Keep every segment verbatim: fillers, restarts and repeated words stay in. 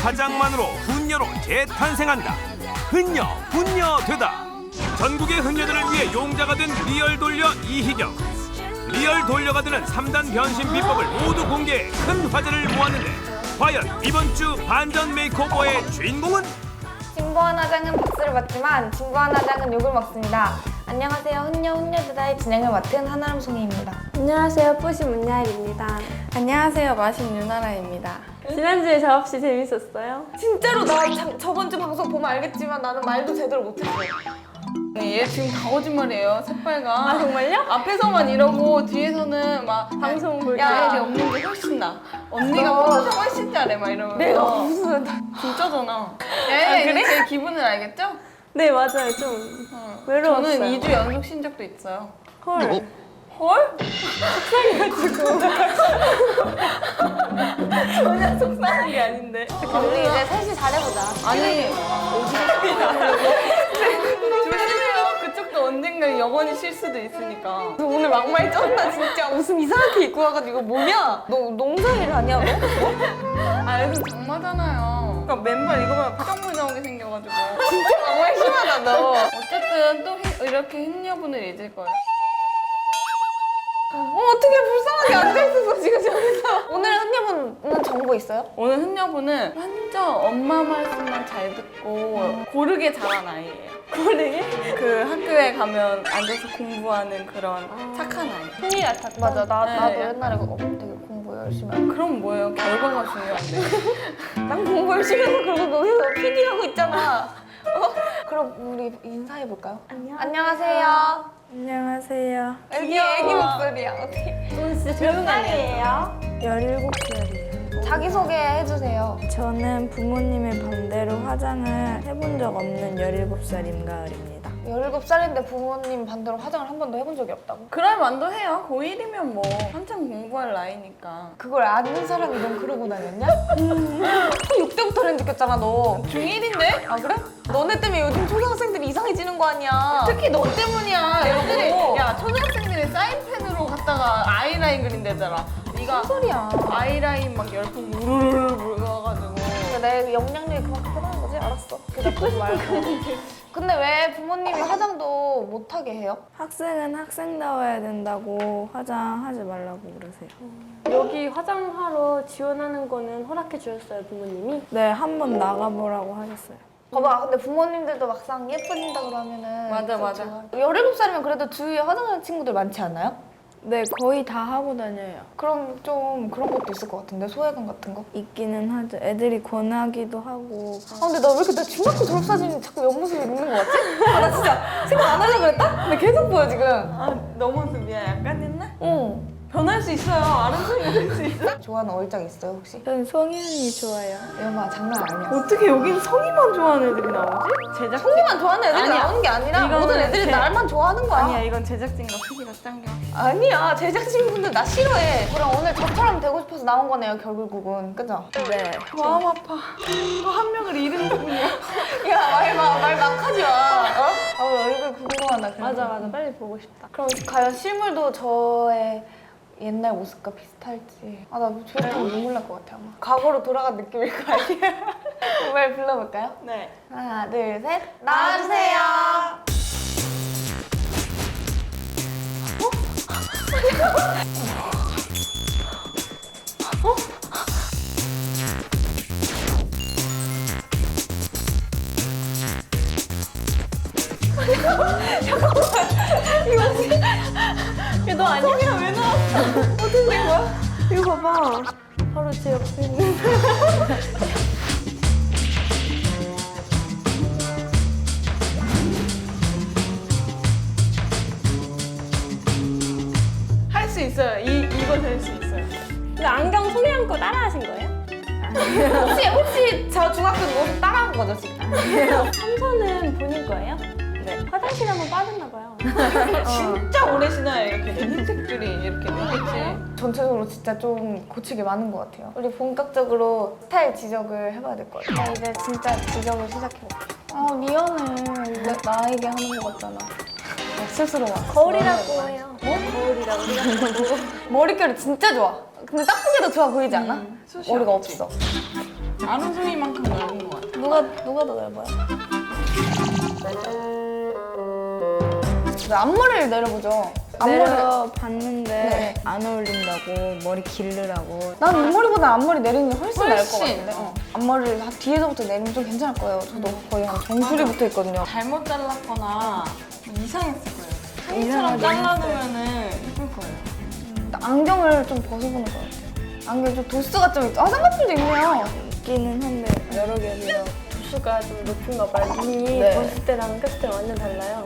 화장만으로 훈녀로 재탄생한다. 훈녀, 훈녀 되다. 전국의 훈녀들을 위해 용자가 된 리얼 돌려 이희경. 리얼 돌려가 되는 삼 단 변신 비법을 모두 공개해 큰 화제를 모았는데 과연 이번 주 반전 메이크오버의 주인공은? 진보한 화장은 박수를 받지만 진보한 화장은 욕을 먹습니다. 안녕하세요. 훈녀 훈녀드다의 진행을 맡은 한아름 송이입니다. 안녕하세요. 뿌시 문야일입니다. 안녕하세요. 마신 유나라입니다. 지난주에 작업시 재밌었어요? 진짜로 나 자, 저번 주 방송 보면 알겠지만 나는 말도 제대로 못했어. 얘 지금 다 거짓말이에요. 새빨간. 아 정말요? 앞에서만 이러고 뒤에서는 막 방송 볼 때. 야, 애기 없는 게 훨씬 나. 언니가 어. 포토샵 훨씬 잘해 막 이러면서. 내가 무슨 진짜잖아. 아, 예, 그래? 제 기분을 알겠죠? 네 맞아요. 좀 어. 외로웠어요. 저는 이 주 연속 쉰 적도 있어요. 헐. 헐? 전혀 속상한 게 아닌데. 우리 이제 셋이 잘해보자. 아니. 조심해요. 그쪽도 언젠가 영원히 쉴 수도 있으니까. 너 오늘 막말 쩐다 진짜. 옷은 이상하게 입고 와가지고 뭐냐? 너 농사일 하냐 너? 아, 요즘 장마잖아요. 그러니까 맨발 이거만 파정물 나오게 생겨가지고. 진짜 막말 심하다 너. 어쨌든 또 히- 이렇게 흰여분을 잊을 거예요. 어, 어떻게 불쌍하게 앉아있었어 지금 저기서. 오늘 흔녀분은 정보 있어요? 오늘 흔여분은 완전 엄마 말씀만 잘 듣고 고르게 자란 아이예요. 고르게? 그 학교에 가면 앉아서 공부하는 그런 착한 아이. 흥이 같았다. 맞아 나, 네. 나도 옛날에 어, 되게 공부 열심히 하고. 그럼 뭐예요? 결과가 중요한데. 난 공부 열심히 해서 그러고 거기서 피디 하고 있잖아. 어? 그럼 우리 인사해볼까요? 안녕. 안녕하세요. 안녕하세요. 애기 애기 목소리야. 어떻게? 저는 진짜 몇 살이에요? 열일곱 살이에요. 자기소개 해주세요. 저는 부모님의 반대로 화장을 해본 적 없는 열일곱 살 임가을입니다. 열일곱 살인데 부모님 반대로 화장을 한 번도 해본 적이 없다고? 그럴 만도 해요. 고일이면 뭐 한창 공부할 나이니까. 그걸 아는 사람이 넌 그러고 다녔냐? 초육 때부터 느꼈잖아 너. 중일인데? 아 그래? 너네 때문에 요즘 초등학생들이 이상해지는 거 아니야. 특히 너 때문이야. 내가 애들이 뭐. 야 초등학생들이 사인펜으로 갖다가 아이라인 그린대잖아. 네가 무슨 소리야. 아이라인 막 열풍 우르르르 불어가지고. 근데 내 영향력이 그만큼 크다는 거지? 알았어. 그래 말고. 근데 왜 부모님이 화장도 못하게 해요? 학생은 학생다워야 된다고 화장하지 말라고 그러세요. 여기 화장하러 지원하는 거는 허락해 주셨어요 부모님이? 네, 한번 나가보라고 하셨어요. 봐봐, 근데 부모님들도 막상 예뻐진다 그러면은 맞아, 또 맞아. 좋아. 열일곱 살이면 그래도 주위에 화장하는 친구들 많지 않아요? 네, 거의 다 하고 다녀요. 그럼 좀 그런 것도 있을 것 같은데, 소외감 같은 거? 있기는 하죠. 애들이 권하기도 하고. 아 근데 나 왜 이렇게 나 중학교 졸업사진 자꾸 옆모습 있는 거 같지? 아 나 진짜 생각 안 하려고 그랬다? 근데 계속 보여 지금. 아, 너 모습이야. 약간 옛날? 응. 변할 수 있어요. 아름다움이 될 수 있어. 좋아하는 얼짱 있어요 혹시? 전 송현이 좋아요. 여마 장난 아니야. 어떻게 여긴 성이만 좋아하는 애들이 나오지? 제작진. 성이만 좋아하는 애들이 아니야. 나오는 게 아니라 이거는 모든 애들이 제- 날만 좋아하는 거야. 아니야, 이건 제작진과 피디가 짠 게. 아니야 제작진분들 나 싫어해. 그럼 오늘 저처럼 되고 싶어서 나온 거네요 결국은. 그죠? 네. 마음 아파. 또 한 명을 잃은 기분이야. 야말말 막 하지 마. 어? 아 얼굴 궁금하다. 그래서. 맞아 맞아 빨리 보고 싶다. 그럼 과연 실물도 저의 옛날 모습과 비슷할지. 아 나 졸업하면 눈물 날 것 같아 아마. 과거로 돌아간 느낌일 거 아니야. 말 불러볼까요? 네. 하나 둘 셋 나와주세요. 너 아니야? 왜 나왔어? 어떻게 된 거야? 이거 봐봐. 바로 제 옆에 있는. 할 수 있어요. 이, 이거 될 수 있어요. 근데 안경 손에 안고 따라하신 거예요? 혹시 혹시 저 중학교 모습 따라한 거죠 지금? 삼선은 본인 거예요? 네. 화장실 한번 빠졌나 봐요. 진짜 오래 신어요. 이렇게 된 흰색 줄이 이렇게 되겠지. 전체적으로 진짜 좀 고치기 많은 것 같아요. 우리 본격적으로 스타일 지적을 해봐야 될 것 같아요. 나 이제 진짜 지적을 시작해볼게요. 아 미안해. 이제 나에게 하는 거 같잖아. 어, 스스로 막. 거울이라고 해요. 뭐? 거울이라고 해요. 머릿결이 진짜 좋아. 근데 딱 보기에도 좋아 보이지 않아? 숱이 머리가 없지. 없어. 아름송이만큼 넓은 것 같아. 누가 누가 더 넓어요? 네, 앞머리를 내려보죠. 앞머리. 내려봤는데 네. 안 어울린다고 머리 기르라고. 난 윗머리보다 앞머리 내리는 게 훨씬, 나을 것 훨씬. 같은데. 어. 앞머리를 한 뒤에서부터 내리면 좀 괜찮을 거예요. 저도 거의 한 정수리 붙어 있거든요. 잘못 잘랐거나 이상했을 거예요. 상처럼 잘라두면은 예쁠 거예요. 안경을 좀 벗어보는 것 같아요. 안경 좀 도수가 좀 있죠. 아, 쌍꺼풀도 있네요. 있기는 한데 여러 개비라. 도수가 좀 높은가 봐요. 눈이 네. 벗을 때랑 꼈을 때랑 완전 달라요.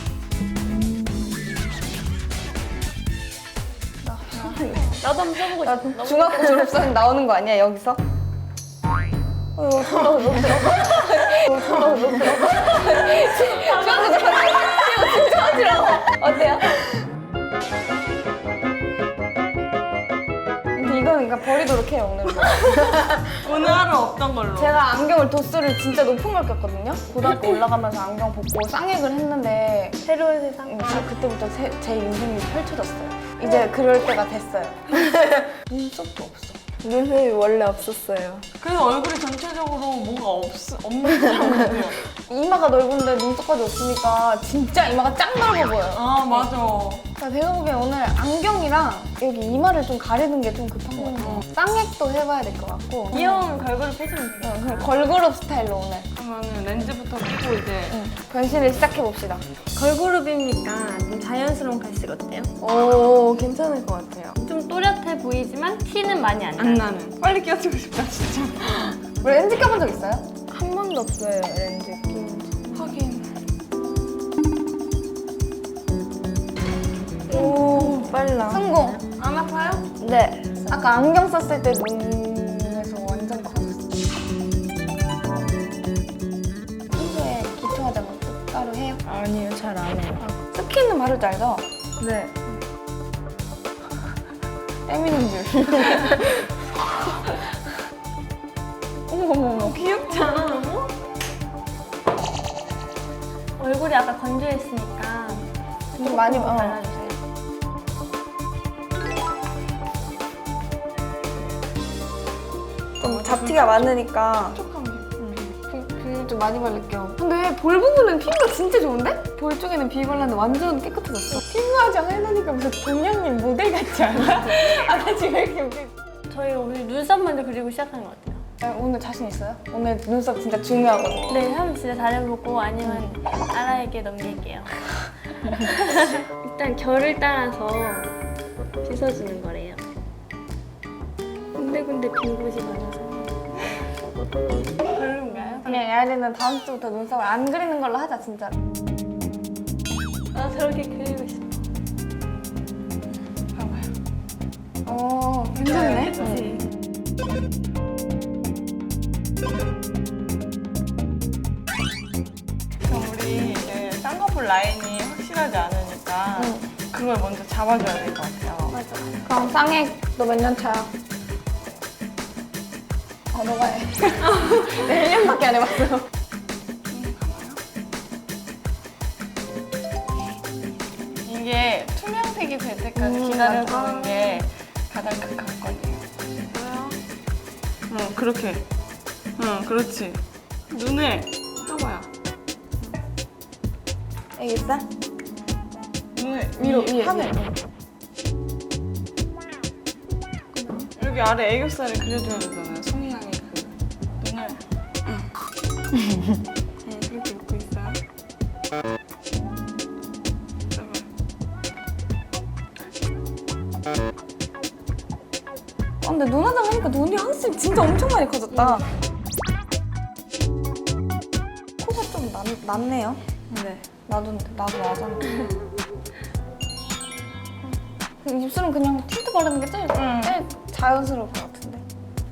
나도 한번 써보고 나 싶어. 중학교 졸업사진 나오는 거 아니야, 여기서? 어, 저러고 너무 들어. 어, 저러고 너무 들어. 중학교 졸업사진 이거 진짜 어지러워. 어때요? 근데 이거는 그러니까 버리도록 해요, 오늘은. 오늘 하루 없던 걸로. 제가 안경을 도수를 진짜 높은 걸 꼈거든요. 고등학교 올라가면서 안경 벗고 쌍액을 했는데 새로운 세상. 음, 저 그때부터 제, 제 인생이 펼쳐졌어요. 이제 그럴 때가 됐어요. 눈썹도 없어. 눈이 원래 없었어요. 그래서 얼굴이 전체적으로 뭔가 없, 없는 사람 같아요. 이마가 넓은데 눈썹까지 없으니까 진짜 이마가 짱 넓어 보여요. 아, 맞아. 그러니까 제가 보기엔 오늘 안경이랑 여기 이마를 좀 가리는 게 좀 급한 것 같아요. 쌍액도 해봐야 될 것 같고. 귀여운 걸그룹 해주면 돼요. 응, 그냥 걸그룹 스타일로 오늘 그러면 렌즈부터 끼고 이제 응, 변신을 시작해봅시다. 걸그룹이니까 좀 자연스러운 갈색 어때요? 오, 괜찮을 것 같아요. 좀 또렷해 보이지만 티는 많이 안 나요. 안 나는. 빨리 끼워주고 싶다, 진짜. 우리 렌즈 껴본 적 있어요? 한 번도 없어요 렌즈 끼는 지. 하긴. 오 빨라. 성공! 안 아파요? 네. 아까 안경 썼을 때 눈에서 완전 커졌어. 평소에 기초 화장 따로 해요? 아니요 잘 안 해요. 스킨은 바를 줄 알죠? 네. 때미는 줄. 어머머머. 귀엽지 않아, 너무? 얼굴이 아까 건조했으니까 좀 많이 어. 발라주세요. 좀 잡티가 많으니까 비, 비 좀 많이 바를게요. 근데 볼 부분은 피부가 진짜 좋은데? 볼 쪽에는 비 발랐는데 완전 깨끗해졌어. 피부 화장 해놓으니까 무슨 동양님 모델 같지 않아? 아, 나 지금 왜 이렇게 웃겨? 저희 오늘 눈썹 먼저 그리고 시작하는 것 같아요. 아, 오늘 자신 있어요? 오늘 눈썹 진짜 중요하거든요. 네, 한번 진짜 잘해보고 아니면 아라에게 넘길게요. 일단 결을 따라서 빗어주는 거래요. 군데군데 빈 곳이 많아서. 별로인가요? 그냥 야리는 다음 주부터 눈썹을 안 그리는 걸로 하자, 진짜. 나 저렇게 그리고 싶어. 어, 괜찮네. 그치? 그럼 우리 이제 쌍꺼풀 라인이 확실하지 않으니까 그걸 먼저 잡아줘야 될 것 같아요. 맞아. 그럼 쌍액 너 몇 년 차야? 어, 너가 해. 내 일 년밖에 안 해봤어. 이게 투명색이 될 때까지 음, 기다려주는 게 가장 큰 관건이에요. 응, 그렇게. 응, 그렇지. 눈을 떠봐요. 애기살? 눈을 위로, 위- 위에. 하늘. 여기 아래 애교살을 그려줘야 되잖아요. 송이 향이 그 눈을. 응. 응, 그렇게 웃고 있어요. 아, 근데 눈 화장 하니까 눈이 확실히 진짜 엄청 많이 커졌다. 코가 좀 낫, 낫네요. 네. 나도, 나도 나잖아. 입술은 그냥 틴트 바르는 게 제일, 응. 제일 자연스러울 것 같은데.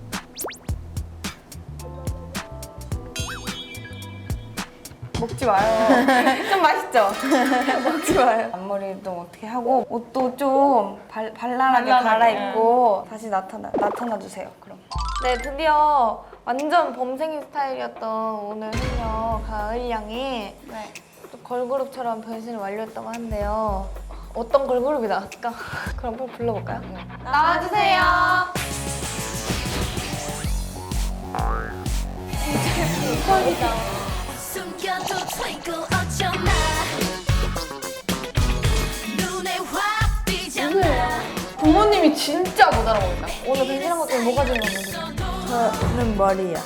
먹지 마요. 좀 맛있죠? 먹지 마요. 앞머리도 어떻게 하고 옷도 좀 발, 발랄하게 발랄하게. 갈아입고 다시 나타나, 나타나 주세요. 그럼. 네, 드디어 완전 범생이 스타일이었던 오늘 소녀 가을 양이 네. 또 걸그룹처럼 변신을 완료했다고 하는데요. 어떤 걸그룹이 나왔을까? 그럼 한번 불러볼까요? 나와주세요. 숨겨도 twinkle 어쩌나 눈에 확 띄잖아 부모님이 진짜 못 알아보인다. 오늘 변신한 것 때문에 뭐가 제일 마음에 들어? 저는 머리야.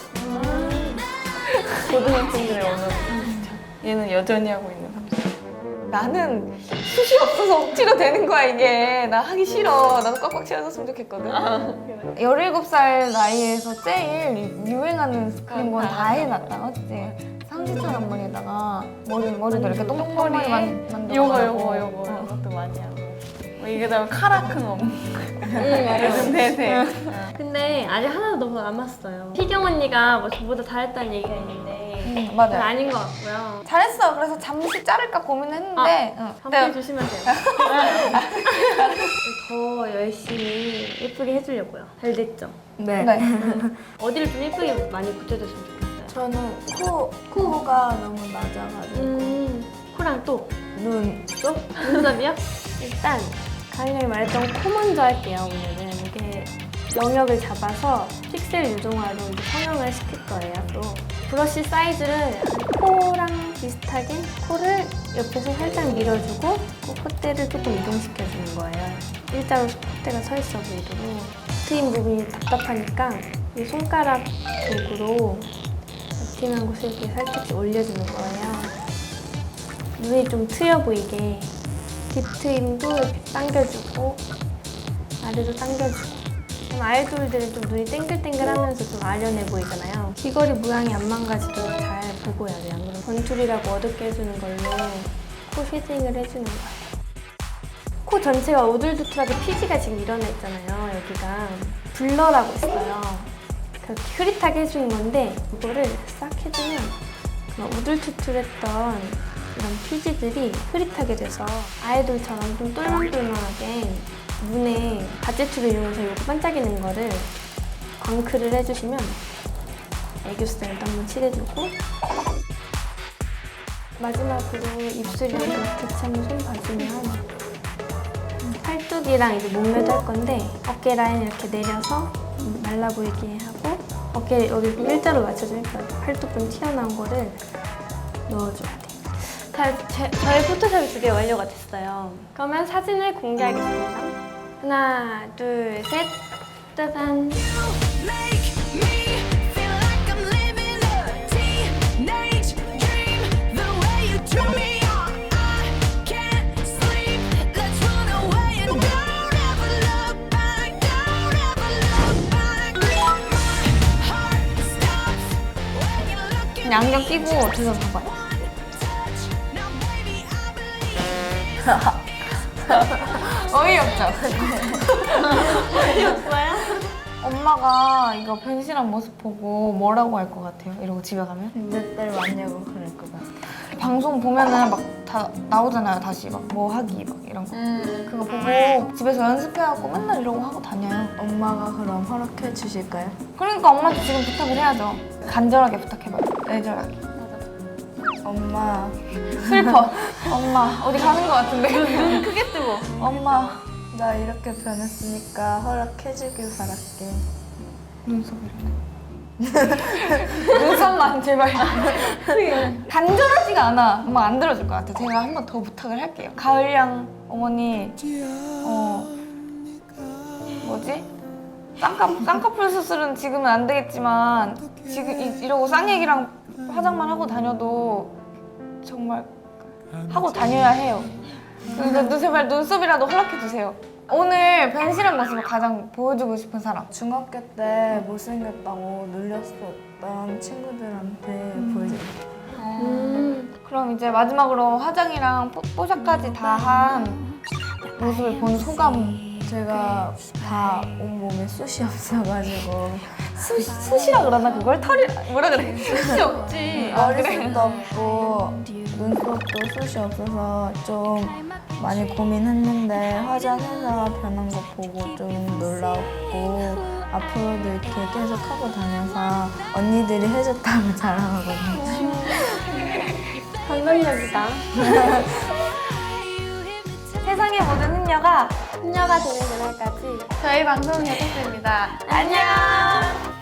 고등학생들의 언어. 얘는 여전히 하고 있는 삼촌. 나는 숱이 없어서 억지로 되는 거야 이게. 나 하기 싫어. 나도 꽉꽉 채워줬으면 좋겠거든. 열일곱 살 나이에서 제일 유행하는 그런 건 다 해놨다. 맞지? 삼지창 앞머리에다가 머리, 머리도 이렇게 똥똥머리 만들고 요거 요거 요거 이것도 많이 하고. 뭐 이게 다음에 카라큰 엄. 요즘 대세. 근데 아직 하나도 너무 남았어요. 희경 언니가 뭐 저보다 잘했다는 얘기가 있는데 응, 그건 맞아요. 아닌 것 같고요. 잘했어. 그래서 잠시 자를까 고민했는데 응. 한번 주시면 돼요. 더 열심히 예쁘게 해주려고요. 잘 됐죠? 네. 네. 어디를 좀 예쁘게 많이 붙여줬으면 좋겠어요. 저는 코, 코가 너무 낮아가지고. 음, 코랑 또 눈. 또? 눈썹이요? 일단 가은이가 말했던 코 먼저 할게요. 오늘은 이게 영역을 잡아서 픽셀 유동화로 이제 성형을 시킬 거예요. 또 브러쉬 사이즈를 코랑 비슷하게 코를 옆에서 살짝 밀어주고 그 콧대를 조금 이동시켜주는 거예요. 일자로 콧대가 서 있어 보이도록 트임 부분이 답답하니까 이 손가락 쪽으로 버팅한 곳을 이렇게 살짝 올려주는 거예요. 눈이 좀 트여 보이게 딥트임도 이렇게 당겨주고 아래도 당겨주고. 좀 아이돌들은 좀 눈이 땡글땡글하면서 좀 아련해 보이잖아요. 귀걸이 모양이 안 망가지도록 잘 보고 해야 돼요. 안 그러면 건툴이라고 어둡게 해주는 걸로 코 쉐딩을 해주는 거예요. 코 전체가 우둘두툴하게 피지가 지금 일어나 있잖아요. 여기가 블러라고 있어요. 그렇게 흐릿하게 해주는 건데 이거를 싹 해주면 그런 우둘투툴했던 이런 피지들이 흐릿하게 돼서 아이돌처럼 좀 똘망똘망하게 눈에 가제투를 이용해서 이렇게 반짝이는 거를 광클을 해주시면 애교살도 한번 칠해주고 마지막으로 입술이랑 같이 한번 손 봐주면 팔뚝이랑 이제 목매도 할 건데 어깨 라인 이렇게 내려서 말라 보이게 하고 어깨 여기 좀 일자로 맞춰주니까 팔뚝 좀 튀어나온 거를 넣어줘야 돼요. 자, 제, 저의 포토샵이 두 개 완료가 됐어요. 그러면 사진을 공개하겠습니다. 하나, 둘, 셋, 짜잔. Make me feel like I'm living a teenage dream the way you do me on I can't sleep let's run away and don't ever look back don't ever look back my heart stops when you look at 그냥 안경 끼고 뒤에서 봐봐요. now baby I believe 어이없죠? 어이없어요? 엄마가 이거 변신한 모습 보고 뭐라고 할 것 같아요? 이러고 집에 가면? 몇 달 왔냐고 그럴 것 같아. 방송 보면은 막 다 나오잖아요. 다시 막 뭐 하기 막 이런 거. 그거 보고 집에서 연습해갖고 맨날 이러고 하고 다녀요. 엄마가 그럼 허락해 주실까요? 그러니까 엄마한테 지금 부탁을 해야죠. 간절하게 부탁해봐요. 애절하게. 엄마, 슬퍼. 엄마 어디 가는 것 같은데. 눈 크게 뜨고. 엄마 나 이렇게 변했으니까 허락해 주길 바랄게. 눈썹이래. 눈썹만 제발. 간절하지가 않아. 엄마 안 들어줄 것 같아. 제가 한 번 더 부탁을 할게요. 가을양 어머니, 어 뭐지? 쌍꺼 쌍꺼풀 수술은 지금은 안 되겠지만 지금 이, 이러고 쌍얘기랑 화장만 하고 다녀도 정말 하고 다녀야 해요. 그러니까 제발 눈썹이라도 허락해 주세요. 오늘 변신한 모습을 가장 보여주고 싶은 사람. 중학교 때 못생겼다고 놀렸었던 친구들한테 보여줄게. 음, 그럼 이제 마지막으로 화장이랑 뽀, 뽀샵까지 다 한 모습을 본 소감. 제가 다 온몸에 숱이 없어가지고 수, 숱이라 그러나 그걸? 털이 뭐라 그래? 숱이 없지. 머리숱도 없고 눈썹도 숱이 없어서 좀 많이 고민했는데 화장해서 변한 거 보고 좀 놀라웠고 앞으로도 이렇게 계속 하고 다녀서 언니들이 해줬다고 자랑하거든요. 감동적이다. 세상의 모든 흔녀가 훈녀가 되는 그날까지 저희 방송은 여기까지입니다. 안녕.